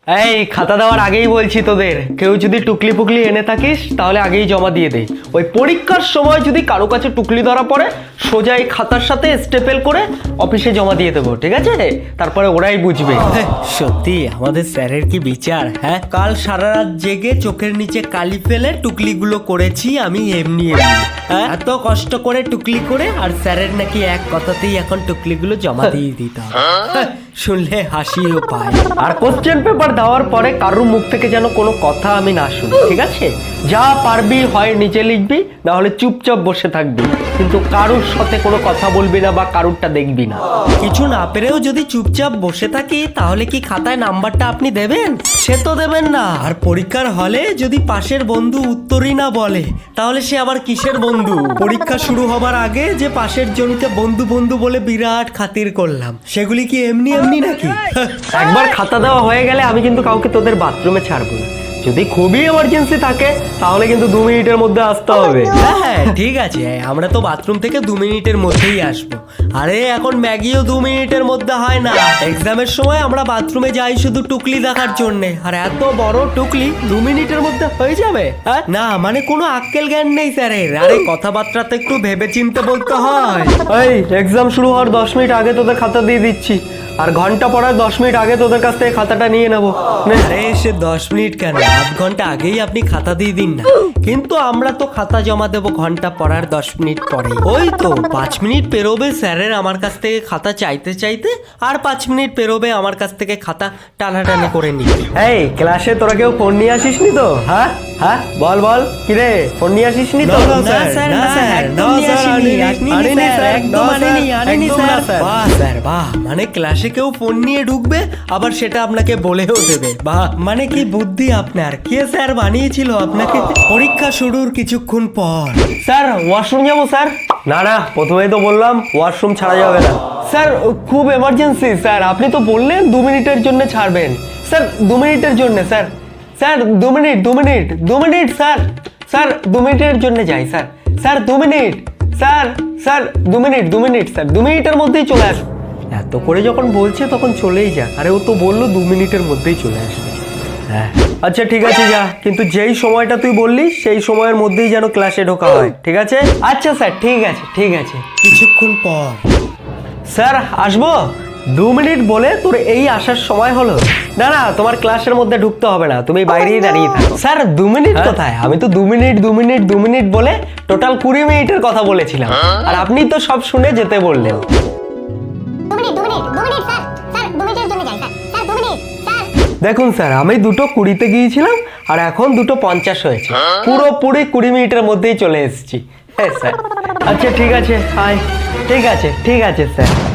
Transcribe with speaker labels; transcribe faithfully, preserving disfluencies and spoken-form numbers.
Speaker 1: এই খাতা দেওয়ার আগেই বলছি তোদের, কেউ যদি টুকলি পুকলি এনে থাকিস তাহলে আগেই জমা দিয়ে দে। ওই পরীক্ষার সময় যদি কারো কাছে টুকলি ধরা পড়ে, সোজা এই খাতার সাথে স্টেপেল করে অফিসে জমা দিয়ে দেবো, ঠিক আছে? তারপরে ওরাই বুঝবে। সত্যি আমাদের স্যারের কি বিচার। হ্যাঁ, কাল সারা রাত জেগে চোখের নিচে কালি ফেলে টুকলিগুলো করেছি আমি এমনি এমনি। হ্যাঁ, এত কষ্ট করে টুকলি করে, আর স্যারের নাকি এক কথাতেই এখন টুকলিগুলো জমা দিয়ে দিতাম। শুনলে হাসিও পায়। আর কোশ্চেন পেপার দেওয়ার পরে কারোর মুখ থেকে যেন কোনো কথা আমি না শুনি, ঠিক আছে? যা পারবি হয় নিজে লিখবি, না হলে চুপচাপ বসে থাকবি, কিন্তু কারোর সাথে কোনো কথা বলবি না বা কারোরটা দেখবি না। কিছু না পেরেও যদি চুপচাপ বসে থাকি, তাহলে কি খাতায় নাম্বারটা আপনি দেবেন? সে তো দেবেন না। আর পরীক্ষার হলে যদি পাশের বন্ধু উত্তরই না বলে, তাহলে সে আবার কিসের বন্ধু? পরীক্ষা শুরু হবার আগে যে পাশের জনকে বন্ধু বন্ধু বলে বিরাট খাতির করলাম, সেগুলি কি এমনি এমনি নাকি? একবার খাতা দেওয়া হয়ে গেলে আমি কিন্তু কাউকে তোদের বাথরুমে ছাড়বো না। যদি খুবই এমার্জেন্সি থাকে তাহলে কিন্তু দু মিনিটের মধ্যে আসতে হবে। হ্যাঁ ঠিক আছে, আমরা তো বাথরুম থেকে দু মিনিটের মধ্যেই আসবো। আরে এখন ম্যাগিও দু মিনিটের মধ্যে হয় না। এক্সামের সময় আমরা বাথরুমে যাই শুধু টুকলি দেখার জন্য, আর এত বড় টুকলি দু মিনিটের মধ্যে হয়ে যাবে? না মানে কোনো আক্কেল জ্ঞান নেই স্যারের। আরে কথাবার্তা তো একটু ভেবে চিন্তে বলতে হয়। এই এক্সাম শুরু হওয়ার দশ মিনিট আগে তোদের খাতা দিয়ে দিচ্ছি, আর ঘন্টা পড়ার দশ মিনিট আগে তোদের কাছ থেকে খাতাটা নিয়ে নেবো। আরে সে দশ মিনিট কেন, আধ ঘন্টা আগেই আপনি খাতা দিয়ে দিন না। কিন্তু আমরা তো খাতা জমা দেবো ঘন্টা পড়ার দশ মিনিট পরে। ওই তো পাঁচ মিনিট পেরোবে স্যারের আমার কাছ থেকে খাতা চাইতে চাইতে, আর পাঁচ মিনিট পেরোবে আমার কাছ থেকে খাতা টানাটানি করে নিবে। এই ক্লাসে তোরা কেউ ফোন নিয়ে আসিস নি তো? হ্যাঁ হ্যাঁ বল বল, কিরে ফোন নিয়ে আসিস নি তো? না স্যার, না স্যার, একদম নিয়ে আসিনি। আনিনি স্যার, একদম আনিনি, আনিনি স্যার। বাহ স্যার বাহ, মানে ক্লাসে কেউ ফোন নিয়ে ঢুকবে, আবার সেটা আপনাকে বলেও দেবে। বাহ, মানে কি বুদ্ধি আপনার। কে স্যার বানিয়েছিল আপনাকে? পরীক্ষা শুরুর কিছুক্ষণ পর। স্যার ওয়াশরুম যাবো স্যার। না না, প্রথমেই তো বললাম ওয়াশরুম ছাড়া যাবে না। স্যার খুব এমার্জেন্সি স্যার, আপনি তো বললেন দু মিনিটের জন্য ছাড়বেন। স্যার দু মিনিটের জন্য স্যার, স্যার দু মিনিট দু মিনিট দু মিনিট স্যার, স্যার দু মিনিটের জন্য যাই স্যার, স্যার দু মিনিট স্যার, স্যার দু মিনিট দু মিনিট স্যার, দু মিনিটের মধ্যেই চলে আসবে। এত করে যখন বলছে তখন চলেই যা। আরে ও তো বললো দু মিনিটের মধ্যেই চলে আসবে। হ্যাঁ আচ্ছা ঠিক আছে যা, কিন্তু যেই সময়টা তুই বললি সেই সময়ের মধ্যেই যেন ক্লাসে ঢোকা হয়, ঠিক আছে? আচ্ছা স্যার ঠিক আছে ঠিক আছে। কিছুক্ষণ পর। স্যার আসবো? দু মিনিট বলে তোর এই আসার সময় হলো? না না, তোমার ক্লাসের মধ্যে ঢুকতে হবে না, তুমি বাইরেই দাঁড়িয়ে থাকো। স্যার দু মিনিট কোথায়? আমি তো দু মিনিট দু মিনিট দু মিনিট বলে টোটাল কুড়ি মিনিটের কথা বলেছিলাম, আর আপনি তো সব শুনে যেতে বললেন। দেখুন স্যার, আমি দুটো কুড়িতে গিয়েছিলাম আর এখন দুটো পঞ্চাশ হয়েছে, পুরোপুরি কুড়ি মিনিটের মধ্যেই চলে এসেছি। হ্যাঁ স্যার। আচ্ছা ঠিক আছে, হাই ঠিক আছে ঠিক আছে স্যার।